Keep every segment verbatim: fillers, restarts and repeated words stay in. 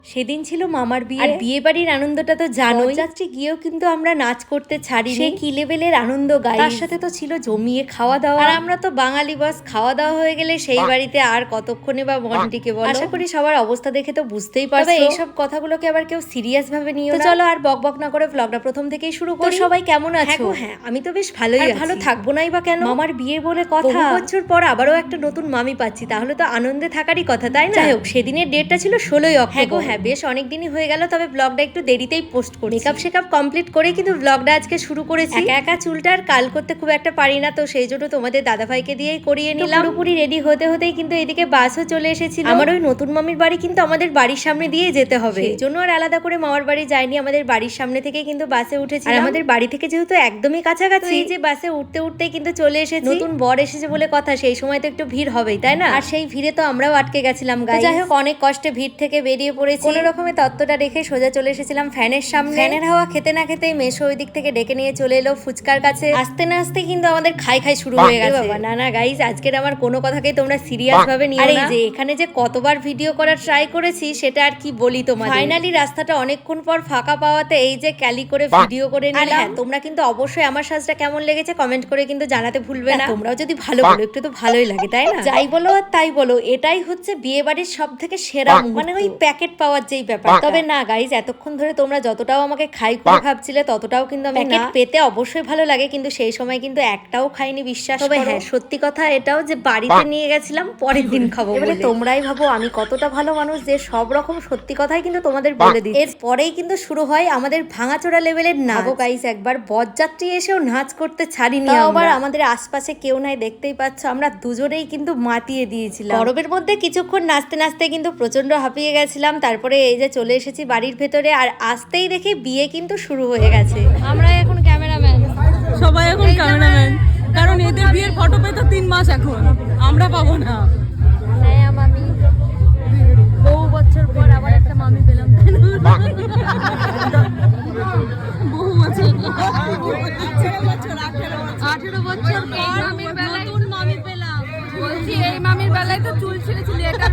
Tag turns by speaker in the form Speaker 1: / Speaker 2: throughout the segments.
Speaker 1: সেদিন ছিল মামার বিয়ে, আর বিয়ে বাড়ির আনন্দটা তো জানোই। যাত্রী গিয়েও কিন্তু আমরা নাচ করতে ছাড়ি, সে কি লেভেলের আনন্দ গাই। তার সাথে তো ছিল জমিয়ে খাওয়া দাওয়া, আর আমরা তো বাঙালি বাস, খাওয়া দাওয়া হয়ে গেলে সেই বাড়িতে আর কতক্ষণে বা মন টিকে বলো। আশা করি সবার অবস্থা দেখে তো বুঝতেই পারছো। এইসব কথাগুলোকে আবার কেউ সিরিয়াস ভাবে নিও না। চলো আর বক বক না করে ব্লগটা প্রথম থেকেই শুরু করি। সবাই কেমন আছো? হ্যাঁ আমি তো বেশ ভালোই আছি। ভালো থাকবো নাই বা কেন, মামার বিয়ে বলে কথা। বহু বছর পর আবারও একটা নতুন মামি পাচ্ছি, তাহলে তো আনন্দে থাকারই কথা, তাই না? যাই হোক, সেদিনের ডেটটা ছিল ষোলোই অক্টোবর। হ্যাঁ বেশ অনেকদিনই হয়ে গেল, তবে ব্লগটা একটু দেরিতেই পোস্ট করি। মেকআপ শেকআপ কমপ্লিট করে কিন্তু ব্লগটা আজকে শুরু করেছি। একা একা চুলটা আর কাল করতে খুব একটা পারি না, তো সেই জন্য তোমাদের দাদাভাইকে দিয়েই করিয়ে নিলাম। পুরোপুরি রেডি হতে হতেই কিন্তু এদিকে বাসও চলে এসেছিল। আমার ওই নতুন মামির বাড়ি কিন্তু আমাদের বাড়ির সামনে দিয়ে যেতে হবে, সেই জন্য আর আলাদা করে মামার বাড়ি যাইনি, আমাদের বাড়ির সামনে থেকে কিন্তু বাসে উঠেছি। আর আমাদের বাড়ি থেকে যেহেতু একদমই কাছাকাছি, এই যে বাসে উঠতে উঠতেই কিন্তু চলে এসেছি। নতুন বর এসেছে বলে কথা, সেই সময় তো একটু ভিড় হবেই, তাই না? আর সেই ভিড়ে তো আমরাও আটকে গেছিলাম গাইস। যাই হোক, অনেক কষ্টে ভিড় থেকে বেরিয়ে পড়েছি। কোনো রকমের তত্ত্বটা রেখে সোজা চলে এসেছিলাম ফ্যানের সামনে। ফ্যানের হাওয়া খেতে না খেতেই মেশো ওই দিক থেকে ডেকে নিয়ে চলে এলো ফুচকার কাছে। আসতে না আসতে কিন্তু আমাদের খাই খাই শুরু হয়ে গেছে। বাবা না না গাইস, আজকের আমার কোনো কথাকেই তোমরা সিরিয়াস ভাবে নিও না। যে এখানে যে কতবার ভিডিও করার ট্রাই করেছি সেটা আর কি বলি তোমাদের। ফাইনালি রাস্তাটা অনেকক্ষণ পর ফাঁকা পাওয়াতে এই যে ক্যালি করে ভিডিও করে নিলাম। হ্যাঁ তোমরা কিন্তু অবশ্যই আমার সাজটা কেমন লেগেছে কমেন্ট করে কিন্তু জানাতে ভুলবে না। তোমরাও যদি ভালো বলো, একটু তো ভালোই লাগে তাই না? যাই বলো আর তাই বলো, এটাই হচ্ছে বিয়ে বাড়ির সব থেকে সেরা, মানে ওই প্যাকেট পাওয়ার যেই ব্যাপার। তবে না গাইস, এতক্ষণ ধরে তোমরা যতটাও আমাকে খাই করে ভাবছিলে ততটাও কিন্তু আমি প্যাকেট পেতে অবশ্যই ভালো লাগে, কিন্তু সেই সময় কিন্তু একটাও খাইনি, বিশ্বাস করো। তবে হ্যাঁ সত্যি কথা এটাও যে বাড়িতে নিয়ে গেছিলাম পরের দিন খাবো বলে। তোমরাই ভাবো আমি কতটা ভালো মানুষ যে সব রকম সত্যি কথাই কিন্তু তোমাদের বলে দিই। এরপরেই কিন্তু শুরু হয় আমাদের ভাঙাচোরা লেভেলের নাচ। গাইস একবার বরযাত্রী এসেও নাচ করতে ছাড়িনি, আবার আমাদের আশপাশে কেউ নাই, দেখতেই পাচ্ছ আমরা দুজনেই কিন্তু মাতিয়ে দিয়েছিলাম। গরমের মধ্যে কিছুক্ষণ নাচতে নাচতে কিন্তু প্রচন্ড হাঁপিয়ে গেছিলাম। তারপরে এই যে চলে এসেছি বাড়ির ভেতরে, আর আসতেই দেখে বিয়ে কিন্তু শুরু হয়ে গেছে।
Speaker 2: আমরা এখন ক্যামেরাম্যান, সবাই এখন ক্যামেরাম্যান, কারণ এদের বিয়ের ফটো পেতে তিন মাস এখন আমরা পাবো না।
Speaker 1: হ্যাঁ মামি, বহু বছর পর আবার একটা মামি পেলাম।
Speaker 2: বহু বছর আঠেরো বছর নতুন মামি পেলাম। বলছি এই মামির বেলায় তো চুল ছিঁড়ে ছিলি, এটা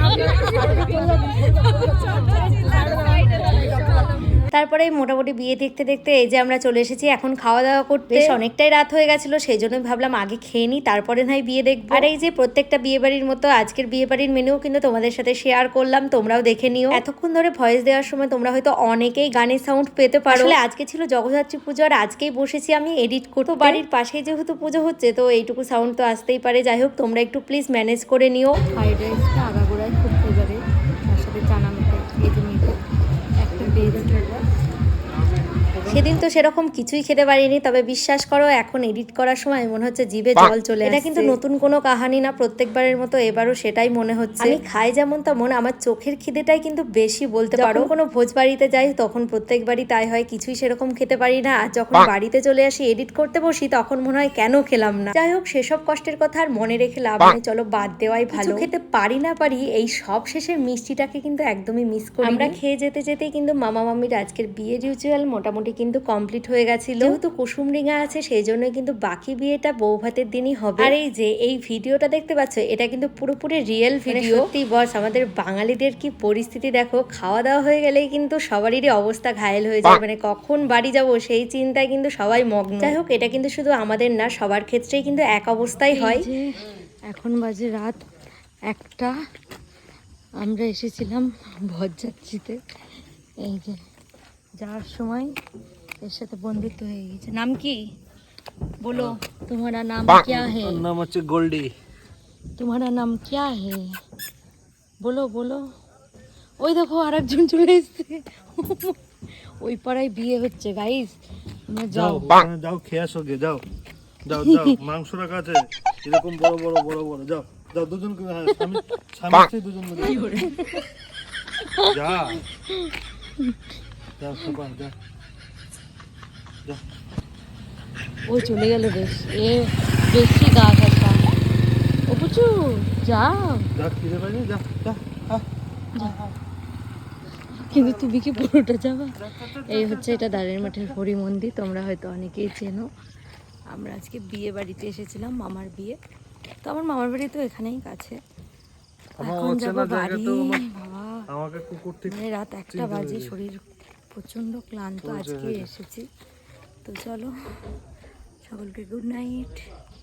Speaker 1: তারপরে মোটামুটি বিয়ে দেখতে দেখতে এই যে আমরা চলে এসেছি এখন খাওয়া দাওয়া করতে। বেশ অনেকটাই রাত হয়ে গেছিল, সেই জন্যই ভাবলাম আগে খেয়ে নিই, তারপরে নয় বিয়ে দেখবো। আর এই যে প্রত্যেকটা বিয়ে বাড়ির মতো আজকের বিয়ে বাড়ির মেনুও কিন্তু তোমাদের সাথে শেয়ার করলাম, তোমরাও দেখে নিও। এতক্ষণ ধরে ভয়েস দেওয়ার সময় তোমরা হয়তো অনেকেই গানের সাউন্ড পেতে পারো। আসলে আজকে ছিল জগদ্ধাত্রী পুজো, আর আজকেই বসেছি আমি এডিট করতে। বাড়ির পাশেই যেহেতু পুজো হচ্ছে তো এইটুকু সাউন্ড তো আসতেই পারে। যাই হোক, তোমরা একটু প্লিজ ম্যানেজ করে নিও। ফ্রাইড রাইসটা আগাগোড়ায় খুব ফেভারিট, তার সাথে চানা মিঠাই এই যে মিঠাই একটা পেয়েছি। সেদিন তো সেরকম কিছুই খেতে পারিনি, তবে বিশ্বাস করো এখন এডিট করার সময় মনে হচ্ছে জিভে জল চলে আসছে। এটা কিন্তু নতুন কোনো কাহানি না, প্রত্যেকবারের মতো এবারও সেটাই মনে হচ্ছে। আমি খাই যেমন তেমন, আমার চোখের খিদেটাই কিন্তু বেশি বলতে পারো। কোনো ভোজ বাড়িতে যাই তখন প্রত্যেকবারই তাই হয়, কিছুই সেরকম খেতে পারি না, আর যখন বাড়িতে চলে আসি এডিট করতে বসি তখন মনে হয় কেন খেলাম না। যাই হোক, সেসব কষ্টের কথা আর মনে রেখে লাভ নেই, চলো বাদ দেওয়াই ভালো। খেতে পারি না পারি, এই সব শেষের মিষ্টিটাকে কিন্তু একদমই মিস করি। আমরা খেয়ে যেতে যেতেই কিন্তু মামা মামির আজকের বিয়ের রিচুয়াল মোটামুটি কিন্তু কমপ্লিট হয়ে গেছিল। যেহেতু কুসুম রিঙা আছে সেই জন্য কিন্তু বাকি বিয়েটা বউ ভাতের দিনই হবে। আর এই যে এই ভিডিওটা দেখতে পাচ্ছ, এটা কিন্তু পুরোপুরি রিয়েল ভিডিও। সত্যি বস, আমাদের বাঙালিদের কি পরিস্থিতি দেখো, খাওয়া দাওয়া হয়ে গেলেই কিন্তু সবারই অবস্থা ঘায়েল হয়ে যায়, মানে কখন বাড়ি যাব সেই চিন্তায় কিন্তু সবাই মগ্ন। যাই হোক, এটা কিন্তু শুধু আমাদের না, সবার ক্ষেত্রেই কিন্তু এক অবস্থাই হয়। এখন বাজে রাত একটা, আমরা এসেছিলাম বরযাত্রীতে। এই যে যাওয়ার সময় এর সাথে বন্ধুত্ব হয়ে গেছে। নাম কি বলো? তোমারা নাম क्या है?
Speaker 3: নাম হচ্ছে গোল্ডি।
Speaker 1: তোমারা নাম क्या है? বলো বলো। ওই দেখো আরেকজন চলে এসেছে, ওই পাড়ায় বিয়ে হচ্ছে গাইস। তোমরা যাও
Speaker 3: যাও খেয়ে আসো গে, যাও যাও যাও, মাংস রাখা আছে এরকম বড় বড় বড় বড়, যাও যাও দুজন করে, হ্যাঁ স্বামী স্বামী স্ত্রী দুজন মিলে যা যাও সবাই যা যা।
Speaker 1: ওই চলে গেল বেশ, এ বেশি গা ঘাসা। ও বুঝু যাও,
Speaker 3: যা খিদে পাইনি, যা যা।
Speaker 1: কিন্তু তুমি কি পুরোটা যাবা? এই হচ্ছে এটা দাঁড়ের মাঠের হরি মন্দির, তোমরা হয়তো অনেকেই চেনো। আমরা আজকে বিয়ে বাড়িতে এসেছিলাম, মামার বিয়ে। তো আমার মামার বাড়ি তো এখানেই কাছে, এখন যাবো বাড়ি। বাবা
Speaker 3: আমাকে কুকুর ঠিক
Speaker 2: মানে রাত একটা
Speaker 3: চিনতে
Speaker 2: বাজে,
Speaker 3: পেরেছে।
Speaker 2: শরীর প্রচন্ড ক্লান্ত
Speaker 3: পরিচয়
Speaker 2: আজকে
Speaker 3: হয়েছে।
Speaker 2: এসেছি। তো চলো সকলকে গুড নাইট।